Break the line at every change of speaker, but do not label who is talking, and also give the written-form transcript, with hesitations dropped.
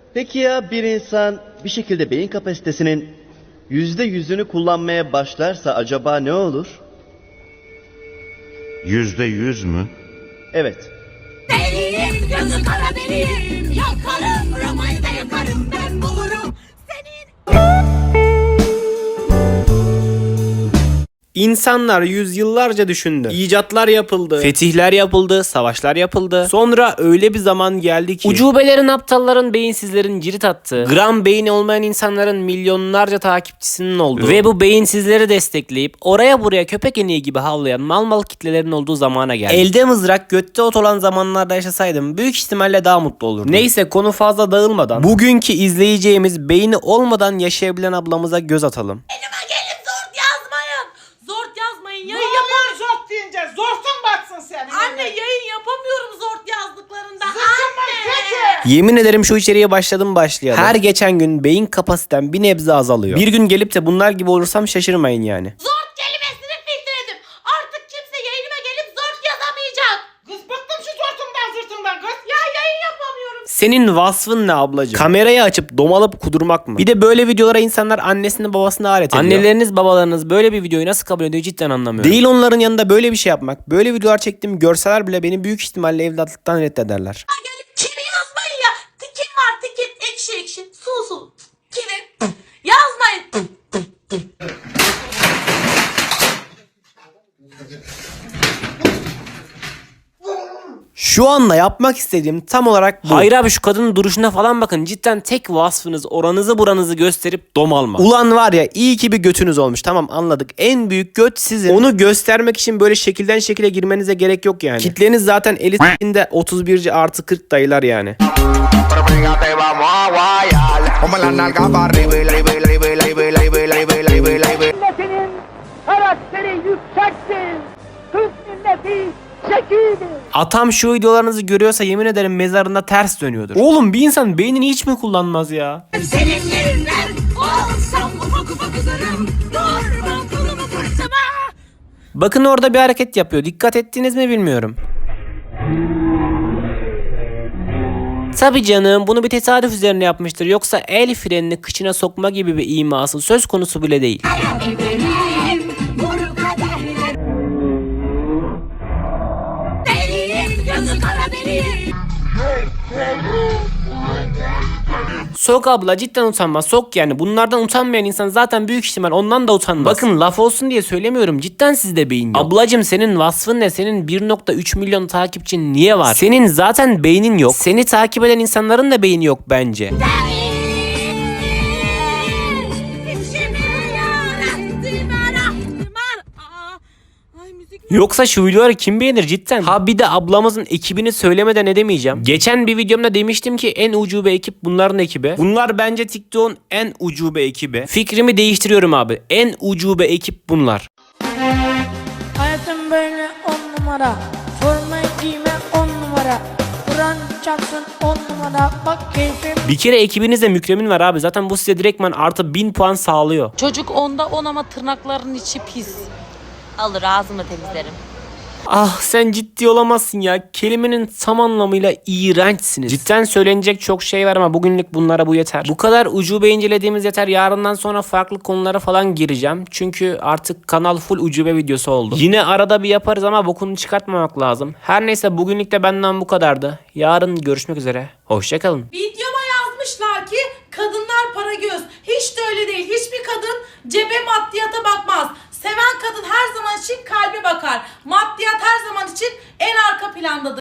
Peki ya bir insan bir şekilde beyin kapasitesinin %100'ünü kullanmaya başlarsa acaba ne olur?
%100 mü?
Evet.
Deliyim, gözü kara deliyim. Yakarım, Roma'yı da yakarım. Ben bulurum senin.
İnsanlar yüzyıllarca düşündü. İcatlar yapıldı, fetihler yapıldı, savaşlar yapıldı. Sonra öyle bir zaman geldi ki ucubelerin, aptalların, beyinsizlerin cirit attığı, gram beyni olmayan insanların milyonlarca takipçisinin olduğu ve bu beyinsizleri destekleyip oraya buraya köpek eniği gibi havlayan mal kitlelerin olduğu zamana geldi. Elde mızrak, götte ot olan zamanlarda yaşasaydım büyük ihtimalle daha mutlu olurdum. Neyse, konu fazla dağılmadan bugünkü izleyeceğimiz beyni olmadan yaşayabilen ablamıza göz atalım.
Elime gelip zort yazmayın. Zort yazmayın.
Ne
Yayın
oluyor
yapamıyorum.
zort deyince? Zortun batsın senin.
Anne yayın yapamıyorum zort yazdıklarında.
Zıkkımın
Anne.
kötü.
Yemin ederim şu içeriye başlayalım. Her geçen gün beyin kapasitem bir nebze azalıyor. Bir gün gelip de bunlar gibi olursam şaşırmayın yani.
Zort kelimesini filtreledim. Artık kimse yayınıma gelip zort yazamayacak.
Kız bıktım şu zortundan zırtından kız.
Ya yayın yapamıyorum.
Senin vasfın ne ablacığım? Kamerayı açıp domalıp kudurmak mı? Bir de böyle videolara insanlar annesini babasını alet ediyor. Anneleriniz babalarınız böyle bir videoyu nasıl kabul ediyor cidden anlamıyorum. Değil onların yanında böyle bir şey yapmak. Böyle videolar çektiğimi görseler bile beni büyük ihtimalle evlatlıktan reddederler.
Gelip kimi yazmayın ya. Tikim var tikim. Ekşi ekşi. Su. Kimi? Yazmayın.
Şu anda yapmak istediğim tam olarak bu. Hayır abi, şu kadının duruşuna falan bakın. Cidden tek vasfınız oranızı buranızı gösterip dom alma. Ulan var ya, iyi ki bir götünüz olmuş. Tamam, anladık. En büyük göt sizin. Onu göstermek için böyle şekilden şekile girmenize gerek yok yani. Kitleniz zaten elitinde 31'ci artı 40 dayılar yani.
Milletinin karakteri yüksektir. Türk milleti zekidir.
Atam şu videolarınızı görüyorsa yemin ederim mezarında ters dönüyordur. Oğlum, bir insan beynini hiç mi kullanmaz ya?
Senin yerinden olsam ufak ufak ederim. Durma kılımı fırtıma.
Bakın orada bir hareket yapıyor. Dikkat ettiniz mi bilmiyorum. Tabii canım, bunu bir tesadüf üzerine yapmıştır. Yoksa el frenini kıçına sokma gibi bir iması söz konusu bile değil.
Benim vuru kaderler. Deliyim, gözü kara deliyim.
Sok abla, cidden utanma. Sok yani. Bunlardan utanmayan insan zaten büyük ihtimal ondan da utanmaz. Bakın, laf olsun diye söylemiyorum. Cidden sizde beyin yok. Ablacım, senin vasfın ne? Senin 1.3 milyon takipçin niye var? Senin zaten beynin yok. Seni takip eden insanların da beyni yok bence. Yoksa şu videoları kim beğenir cidden? Ha bir de ablamızın ekibini söylemeden edemeyeceğim. Geçen bir videomda demiştim ki en ucube ekip bunların ekibi. Bunlar bence TikTok'un en ucube ekibi. Fikrimi değiştiriyorum abi. En ucube ekip bunlar.
Hayatım böyle 10 numara. Formayı giyme 10 numara. Kur'an çarpsın 10 numara. Bak keyfim.
Bir kere ekibinizde Mükremin var abi. Zaten bu size direktman artı 1000 puan sağlıyor.
Çocuk 10'da 10 ama tırnaklarının içi pis.
Alır ağzımla temizlerim.
Ah, sen ciddi olamazsın ya. Kelimenin tam anlamıyla iğrençsiniz. Cidden söylenecek çok şey var ama bugünlük bunlara bu yeter. Bu kadar ucube incelediğimiz yeter. Yarından sonra farklı konulara falan gireceğim. Çünkü artık kanal full ucube videosu oldu. Yine arada bir yaparız ama bokunu çıkartmamak lazım. Her neyse, bugünlük de benden bu kadardı. Yarın görüşmek üzere. Hoşçakalın.
Videoma yazmışlar ki kadınlar para göz. Hiç de öyle değil. Hiçbir kadın cebe maddiyata bakmaz. Seven kadın her zaman için kalbe bakar. Maddiyat her zaman için en arka plandadır.